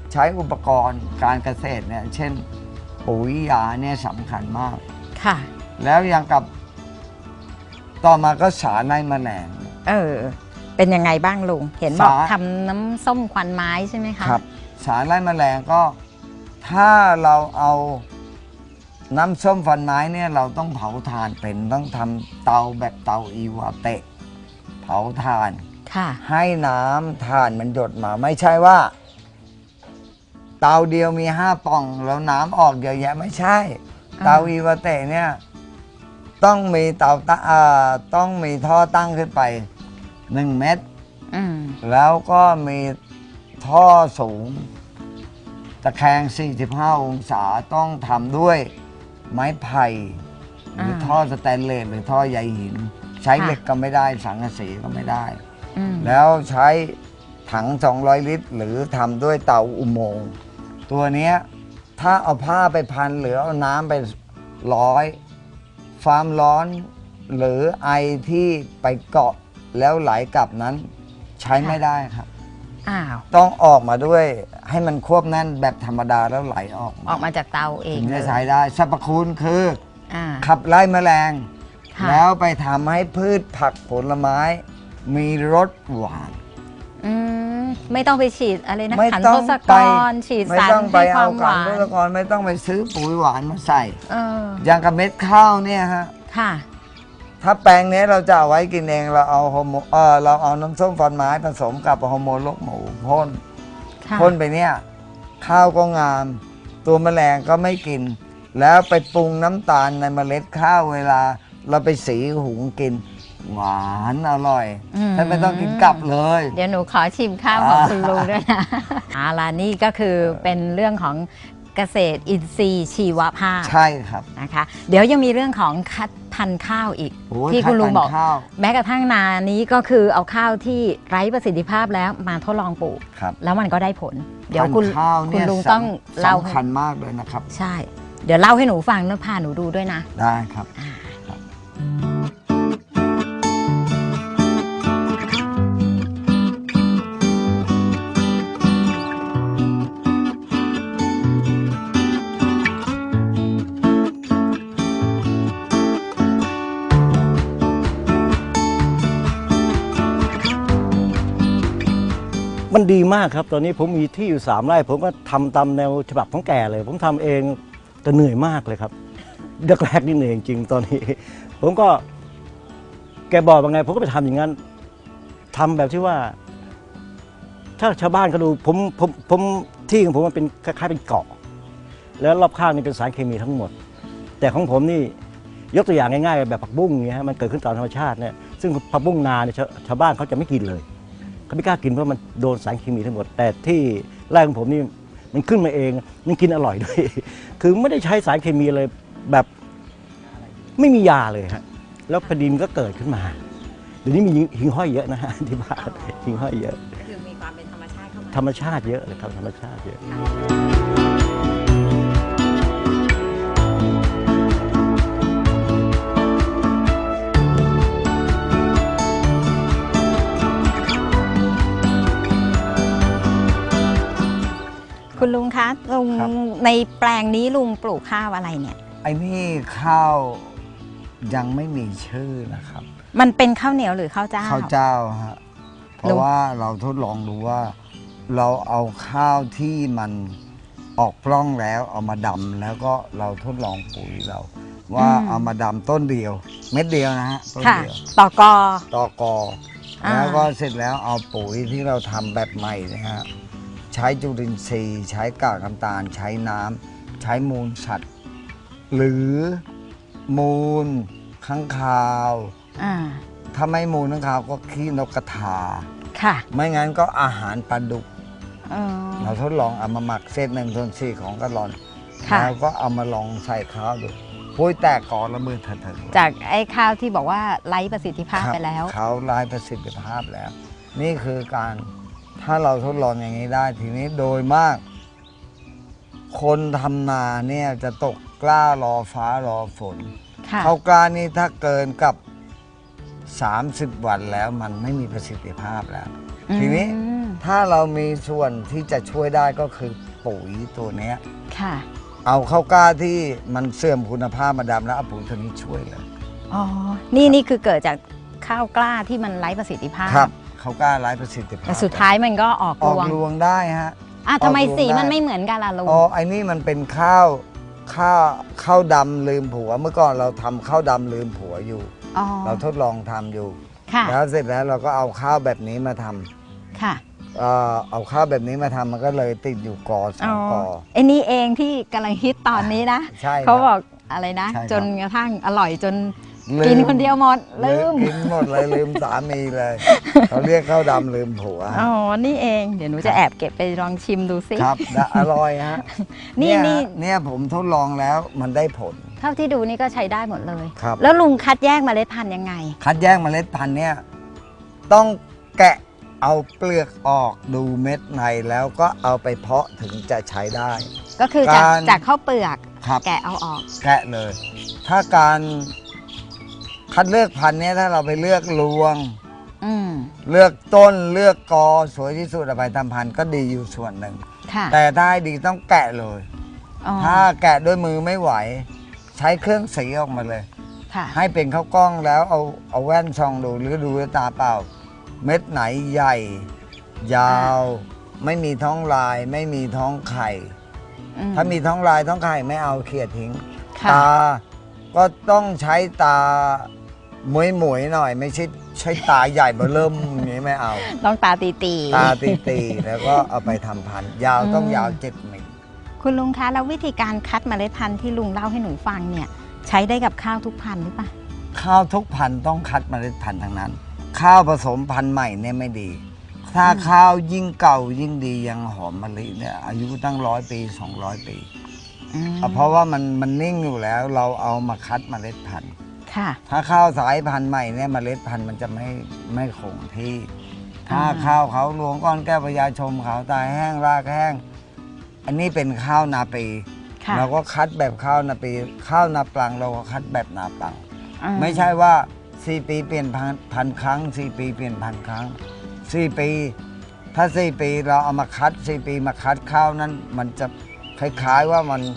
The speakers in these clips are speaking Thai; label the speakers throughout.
Speaker 1: ใช้อุปกรณ์การเกษตรเนี่ยเช่นปุ๋ยยาเนี่ยสำคัญมาก
Speaker 2: ค่ะ
Speaker 1: แล้วยังกับต่อมาก็สารไล่แมลง
Speaker 2: เป็นยังไงบ้างลุงเห็นบอกทำน้ำส้มควันไม้ใช่ไหมคะ
Speaker 1: ครับสารไล่แมลงก็ถ้าเราเอาน้ำส้มฟันไม้เนี่ยเราต้องเผาถ่านเป็นต้องทำเตาแบบเตาอีวาเตะเผาถ่านให้น้ำถ่านมันหยดมาไม่ใช่ว่าเตาเดียวมี5 ป่องแล้วน้ำออกเยอะแยะไม่ใช่เตาอีวาเตะเนี่ยต้องมีต้องมีท่อตั้งขึ้นไป1 เมตรแล้วก็มีท่อสูงตะแคง45 องศาต้องทำด้วยไม้ไผ่หรือท่อสแตนเลสหรือท่อใยหินใช้เหล็กก็ไม่ได้สังกะสีก็ไม่ได้แล้วใช้ถัง200 ลิตรหรือทำด้วยเตาอุโมงค์ตัวนี้ถ้าเอาผ้าไปพันหรือเอาน้ำไปร้อยความร้อนหรือไอที่ไปเกาะแล้วไหลกลับนั้นใช้ไม่ได้ครับต้องออกมาด้วยให้มันควบแน่นแบบธรรมดาแล้วไหลออก
Speaker 2: มาจากเตาเอง
Speaker 1: ถึงจะใช้ได้สรรพคุณคือขับไล่แมลงแล้วไปทำให้พืชผักผลไม้มีรสหวาน
Speaker 2: ไม่ต้องไปฉีดอะไรนะขันทศกรฉีดสาร
Speaker 1: ให้ความหวานไม่ต้องไปเอาขันทศกรไม่ต้องไปซื้อปุ๋ยหวานมาใส่อย่างกับเม็ดข้าวเนี่ยฮะถ้าแปลงนี้เราจะเอาไว้กินเองเราเอาน้ำส้มฟันไม้ผสมกับฮอร์โมนลกหมูพ่นไปเนี่ยข้าวก็งามตัวแมลงก็ไม่กินแล้วไปปรุงน้ำตาลในเมล็ดข้าวเวลาเราไปสีหุงกินหวานอร่อยท่านไม่ต้องกินกลับเลย
Speaker 2: เดี๋ยวหนูขอชิมข้าวของคุณลุงด้วยนะนี่ก็คือเป็นเรื่องของเกษตรอินทรีย์ชีวภาพ
Speaker 1: ใช่ครับ
Speaker 2: นะคะเดี๋ยวยังมีเรื่องของคัดพันธุ์ข้าวอีกที่คุณลุงบอกแม้กระทั่งนานี้ก็คือเอาข้าวที่ไร้ประสิทธิภาพแล้วมาทดลองปลูกแล้วมันก็ได้ผลเดี๋ยวคุณลุงต้องเล่า
Speaker 1: สำคัญมากเลยนะครับ
Speaker 2: ใช่เดี๋ยวเล่าให้หนูฟังแล้วพาหนูดูด้วยนะ
Speaker 1: ได้ครับ
Speaker 3: มันดีมากครับตอนนี้ผมมีที่อยู่3 ไร่ผมก็ทำตามแนวฉบับของแกเลยผมทำเองแต่เหนื่อยมากเลยครับแรกๆนี่เหนื่อยจริงตอนนี้ผมก็แกบอกว่าไงผมก็ไปทำอย่างนั้นทำแบบที่ว่าถ้าชาวบ้านเขาดูผมที่ของผมมันเป็นคล้ายๆเป็นเกาะแล้วรอบข้างนี่เป็นสารเคมีทั้งหมดแต่ของผมนี่ยกตัวอย่างง่ายๆแบบผักบุ้งเนี่ยมันเกิดขึ้นตามธรรมชาติเนี่ยซึ่งผักบุ้งนาเนี่ยชาวบ้านเขาจะไม่กินเลยเขาไม่กล้ากินเพราะมันโดนสารเคมีทั้งหมดแต่ที่ไร่ของผมนี่มันขึ้นมาเองมันกินอร่อยด้วยคือไม่ได้ใช้สารเคมีเลยแบบไม่มียาเลยฮะแล้วพอดีมันก็เกิดขึ้นมาเดี๋ยวนี้มีหิ่งห้อยเยอะนะฮะที่บ้านหิ่งห้อยเยอะ
Speaker 2: คือมีความเป็นธรรมชาติเข้ามา
Speaker 3: ธรรมชาติเยอะเลยครับธรรมชาติเยอะ
Speaker 2: คุณลุงคะลุงในแปลงนี้ลุงปลูกข้าวอะไรเนี่ย
Speaker 1: ไอ้นี่ข้าวยังไม่มีชื่อนะครับ
Speaker 2: มันเป็นข้าวเหนียวหรือข้าวเจ้า
Speaker 1: ข้าวเจ้าฮะเพราะว่าเราทดลองดูว่าเราเอาข้าวที่มันออกปล้องแล้วเอามาดำแล้วก็เราทดลองปุ๋ยเราว่าเอามาดำต้นเดียวเม็ดเดียวนะฮะต้นเดียว
Speaker 2: ต่อก
Speaker 1: อแล้วก็เสร็จแล้วเอาปุ๋ยที่เราทำแบบใหม่นะฮะใช้จุลินทรีย์ใช้กากน้ำตาลใช้น้ำใช้มูลสัตว์หรือมูลค้างคาวถ้าไม่มูลค้างคาวก็ขี้นกกระทาไม่งั้นก็อาหารปลาดุกเราทดลองเอามาหมักเศษ1/4ของกะลอนแล้วก็เอามาลองใส่ข้าวดูปุ้ยแตกก่อนละมือเถิด
Speaker 2: จากไอ้ข้าวที่บอกว่าไร้ประสิทธิภาพไปแล้ว
Speaker 1: เขาไร้ประสิทธิภาพแล้วนี่คือการถ้าเราทดลองอย่างนี้ได้ทีนี้โดยมากคนทำนาเนี่ยจะตกกล้ารอฟ้ารอฝนข้าวกล้านี่ถ้าเกินกับ30 วันแล้วมันไม่มีประสิทธิภาพแล้วทีนี้ถ้าเรามีส่วนที่จะช่วยได้ก็คือปุ๋ยตัวเนี้ย
Speaker 2: ค่ะ
Speaker 1: เอาข้าวกล้าที่มันเสื่อมคุณภาพมาดำแล้วเอาปุ๋ยตัวนี้ช่วยเลย
Speaker 2: อ๋อ นี่คือเกิดจากข้าวกล้าที่มันไร้ประสิทธิภาพ
Speaker 1: ครับข้าวกล้าไร้ประสิทธิภาพ
Speaker 2: แต่สุดท้ายมันก็ออก
Speaker 1: อ
Speaker 2: ร
Speaker 1: อก
Speaker 2: วง
Speaker 1: รวงได้ฮะ
Speaker 2: ทำไม
Speaker 1: ออกรวง
Speaker 2: สีมัน
Speaker 1: ได้
Speaker 2: ไม่เหมือนกันล่ะลุง
Speaker 1: อ๋อไอ้นี่มันเป็นข้าวดำลืมผัวเมื่อก่อนเราทำข้าวดำลืมผัวอยู่
Speaker 2: อ๋อ
Speaker 1: เราทดลองทำอยู่
Speaker 2: ค่ะ
Speaker 1: แล้วเสร็จแล้วเราก็เอาข้าวแบบนี้มาทำ
Speaker 2: ค่ะ
Speaker 1: เอาข้าวแบบนี้มาทำมันก็เลยติดอยู่กอสองกอ
Speaker 2: ไอ้นี่เองที่กำลังฮิตตอนนี้นะ
Speaker 1: ใช่ครับ
Speaker 2: เขาบอกอะไรนะ
Speaker 1: ใช่ครับ
Speaker 2: จนกระทั่งอร่อยจน
Speaker 1: ลืม
Speaker 2: กินคนเดียวหมดลืม
Speaker 1: กินหมดเลยลืมสามีเลยเขาเรียกข้าวดำลืมผัว
Speaker 2: อ๋อ นี่เอง เดี๋ยวหนูจะแอบเก็บไปลองชิมดูสิ
Speaker 1: ครับและอร่อยฮะ
Speaker 2: นี่
Speaker 1: เนี่ยผมทดลองแล้วมันได้ผล
Speaker 2: เท่าที่ดูนี่ก็ใช้ได้หมดเลย
Speaker 1: ครับ
Speaker 2: แล้วลุงคัดแยกเมล็ดพันธุ์ยังไง
Speaker 1: คัดแยกเมล็ดพันธุ์เนี่ยต้องแกะเอาเปลือกออกดูเม็ดในแล้วก็เอาไปเพาะถึงจะใช้ได้
Speaker 2: ก็คือจาก
Speaker 1: การ
Speaker 2: จากข้าวเปลือก
Speaker 1: ครับ
Speaker 2: แกะเอาออก
Speaker 1: แกะเลย ถ้าการคัดเลือกพันธุ์เนี่ยถ้าเราไปเลือกรวง
Speaker 2: อืม
Speaker 1: เลือกต้นเลือกกอสวยที่สุดเอาไปทำพันธุ์ก็ดีอยู่ส่วนหนึ่ง
Speaker 2: ค่ะ
Speaker 1: แต่ถ้าให้ดีต้องแกะเลย
Speaker 2: อ๋อ
Speaker 1: ถ้าแกะด้วยมือไม่ไหว ใช้เครื่องสีออกมาเลย
Speaker 2: ค่ะ
Speaker 1: ให้เป็นข้าวกล้องแล้วเอาแว่นส่องดูหรือดูด้วยตาเปล่า เม็ดไหนใหญ่ ยาว ไม่มีท้องลาย ไม่มีท้องไข่
Speaker 2: อืม
Speaker 1: ถ้ามีท้องลายท้องไข่ไม่เอาเขี่ยทิ้ง
Speaker 2: ค่ะ
Speaker 1: ตาก็ต้องใช้ตาหมวยๆหน่อย ไม่ใช่ตาใหญ่เบอเริ่มอย่างนี้ไม่เอา
Speaker 2: ต้องตาตี
Speaker 1: ตาตีๆแล้วก็เอาไปทำพันธุ์ยาวต้องยาว7 เมตร
Speaker 2: คุณลุงคะแล้ววิธีการคัดเมล็ดพันธุ์ที่ลุงเล่าให้หนูฟังเนี่ย ใช้ได้กับข้าวทุกพันธุ์หรือเปล่า
Speaker 1: ข้าวทุกพันธุ์ต้องคัดเมล็ดพันธุ์ทั้งนั้น ข้าวผสมพันธุ์ใหม่เนี่ยไม่ดี ถ้าข้าวยิ่งเก่ายิ่งดียังหอมมะลิเนี่ยอายุตั้ง100 ปี200 ปี
Speaker 2: อืม
Speaker 1: เพราะว่ามันนิ่งอยู่แล้วเราเอามาคัดเมล็ดพันธุ์
Speaker 2: ค่ะ
Speaker 1: ถ้าข้าวสายพันธุ์ใหม่เนี่ยเมล็ดพันธุ์มันจะไม่คงที่ ถ้าข้าวเขาหลวงก้อนแก้วพญาชมเขาตายแห้งรากแห้ง อันนี้เป็นข้าวนาปี
Speaker 2: ค่ะ
Speaker 1: เราก็คัดแบบข้าวนาปี ข้าวนาปลังเราก็คัดแบบนาปลัง
Speaker 2: อื
Speaker 1: ไม่ใช่ว่า 4 ปีเปลี่ยนพันครั้ง 4 ปีเปลี่ยนพันครั้ง 4 ปี ถ้า 4 ปีเราเอามาคัด 4 ปีมาคัดข้าวนั้นมันจะคล้ายๆว่ามัน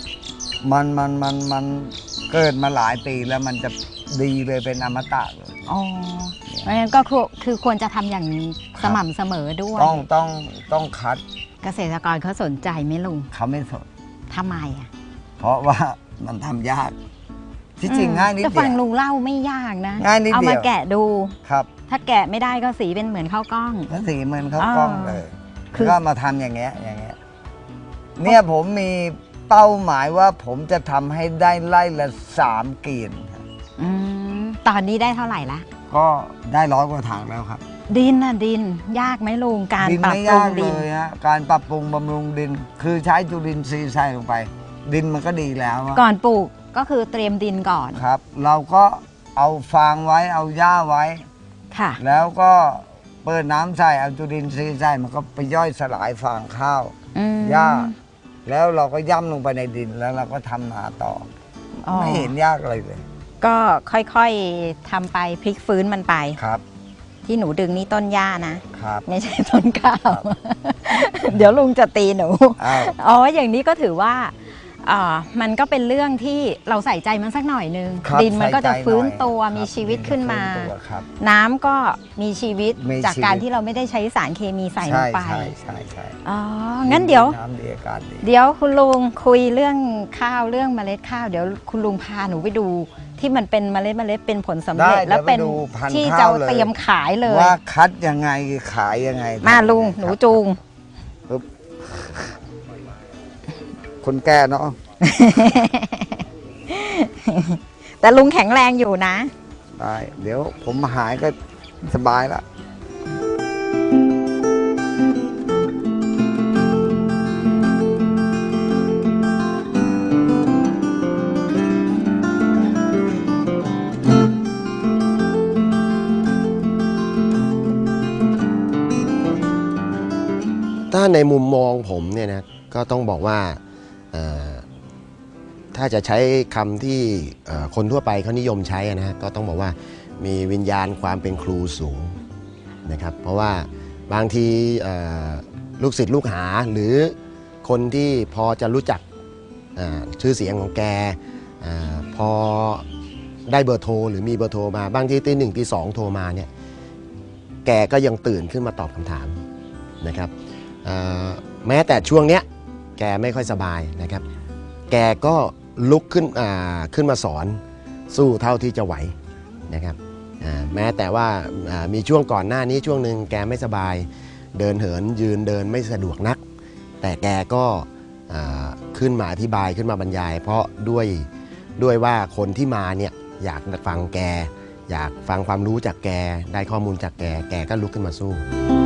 Speaker 1: เกิดมาหลายปีแล้วมันจะดีเลยเป็นอมตะเลย
Speaker 2: อ๋อเพราะฉะนั้นก็คือควรจะทำอย่างสม่ำเสมอด้วย
Speaker 1: ต้องคัด
Speaker 2: เกษตรกรเขาสนใจไหมลุง
Speaker 1: เขาไม่สน
Speaker 2: ทำไมอ่ะ
Speaker 1: เพราะว่ามันทำยาก ที่จริงง่ายนิด
Speaker 2: แต่
Speaker 1: เดี
Speaker 2: ฟั
Speaker 1: ย
Speaker 2: ง
Speaker 1: ว
Speaker 2: ลุงเล่าไม่ยากนะ
Speaker 1: ง่ายนิดเดียว
Speaker 2: เอามาแกะดู
Speaker 1: ครับ
Speaker 2: ถ้าแกะไม่ได้ก็สีเป็นเหมือนข้าวกล้อง
Speaker 1: ก็สีเหมือนข้าวกล้องเลย
Speaker 2: คือ
Speaker 1: ก็มาทำอย่างเงี้ยเนี่ยผมมีเป้าหมายว่าผมจะทำให้ได้ไล่ละ3 เกียนครับ
Speaker 2: อืมตอนนี้ได้เท่าไหร่ละ
Speaker 1: ก็ได้100 กว่าถังแล้วครับ
Speaker 2: ดินน่ะดินยากไหมลุงการ
Speaker 1: ดิน
Speaker 2: ปรับ
Speaker 1: ไม่
Speaker 2: ปรุ
Speaker 1: ยาง ก
Speaker 2: ดิ
Speaker 1: เล
Speaker 2: น
Speaker 1: ยฮะการปรับปรุงบำรุงดิน คือใช้จุลินทรีย์ใส่ลงไป ดินมันก็ดีแล้วอะ
Speaker 2: ก่อนปลูกก็คือเตรียมดินก่อน
Speaker 1: ครับ เราก็เอาฟางไว้เอาหญ้าไว้
Speaker 2: ค่ะ
Speaker 1: แล้วก็เปิดน้ำใส่เอาจุลินทรีย์ใส่มันก็ไปย่อยสลายฟางข้าว
Speaker 2: อืม
Speaker 1: หญ้า แล้วเราก็ย่ำลงไปในดินแล้วเราก็ทำนาต่อ
Speaker 2: อ๋อ
Speaker 1: ไม่เห็นยากอะไรเลย
Speaker 2: ก็ค่อยๆทำไปพลิกฟื้นมันไป
Speaker 1: ครับ
Speaker 2: ที่หนูดึงนี่ต้นหญ้านะ
Speaker 1: ครับ
Speaker 2: ไม่ใช่ต้นข้าว เดี๋ยวลุงจะตีหนู
Speaker 1: อ้าว
Speaker 2: อ๋อ อย่างนี้ก็ถือว่ามันก็เป็นเรื่องที่เราใส่ใจมันสักหน่อยนึง
Speaker 1: ครับ
Speaker 2: ดินมันก็จะ
Speaker 1: ใส่ใจ
Speaker 2: ฟื้น
Speaker 1: หน่อย
Speaker 2: ตัว
Speaker 1: ครับ
Speaker 2: มีชีวิตขึ้นมา
Speaker 1: ฟื้นตัวครับ
Speaker 2: น้ำก็มีชีวิต
Speaker 1: มี
Speaker 2: จาก
Speaker 1: ชีวิต
Speaker 2: การที่เราไม่ได้ใช้สารเคมีใส่ลงไป
Speaker 1: ใช่
Speaker 2: อ๋อ งั้นเดี๋ยว
Speaker 1: น้ำดีอากาศดี
Speaker 2: เดี๋ยวคุณลุงคุยเรื่องข้าวเรื่องเมล็ดข้าว เดี๋ยวคุณลุงพาหนูไปดูที่มันเป็นเมล็ดเป็นผลสำเร็จ
Speaker 1: ได้
Speaker 2: แล้วเป็น
Speaker 1: เดี๋ยวไปดูพันธุ์
Speaker 2: ที่
Speaker 1: ข้า
Speaker 2: จะ
Speaker 1: วเลย
Speaker 2: เตรียมขายเลย
Speaker 1: ว่าคัดยังไงขายยังไง
Speaker 2: มาลุง
Speaker 1: ทำยัไ
Speaker 2: หนูจูง
Speaker 1: ครับคนแก่เนาะ
Speaker 2: แต่ลุงแข็งแรงอยู่นะ
Speaker 1: ได้เดี๋ยวผมหายก็สบายละ
Speaker 4: ถ้าในมุมมองผมเนี่ยนะก็ต้องบอกว่าถ้าจะใช้คำที่คนทั่วไปเขานิยมใช้นะฮะก็ต้องบอกว่ามีวิญญาณความเป็นครูสูงนะครับเพราะว่าบางทีลูกศิษย์ลูกหาหรือคนที่พอจะรู้จักชื่อเสียงของแกพอได้เบอร์โทรหรือมีเบอร์โทรมาบางทีตี 1 ตี 2โทรมาเนี่ยแกก็ยังตื่นขึ้นมาตอบคำถามนะครับแม้แต่ช่วงเนี้ยแกไม่ค่อยสบายนะครับแกก็ลุกขึ้นมาสอนสู้เท่าที่จะไหวนะครับแม้แต่ว่ามีช่วงก่อนหน้านี้ช่วงหนึ่งแกไม่สบายเดินเหินยืนเดินไม่สะดวกนักแต่แกก็ขึ้นมาอธิบายขึ้นมาบรรยายเพราะด้วยว่าคนที่มาเนี่ยอยากฟังแกอยากฟังความรู้จากแกได้ข้อมูลจากแกก็ลุกขึ้นมาสู้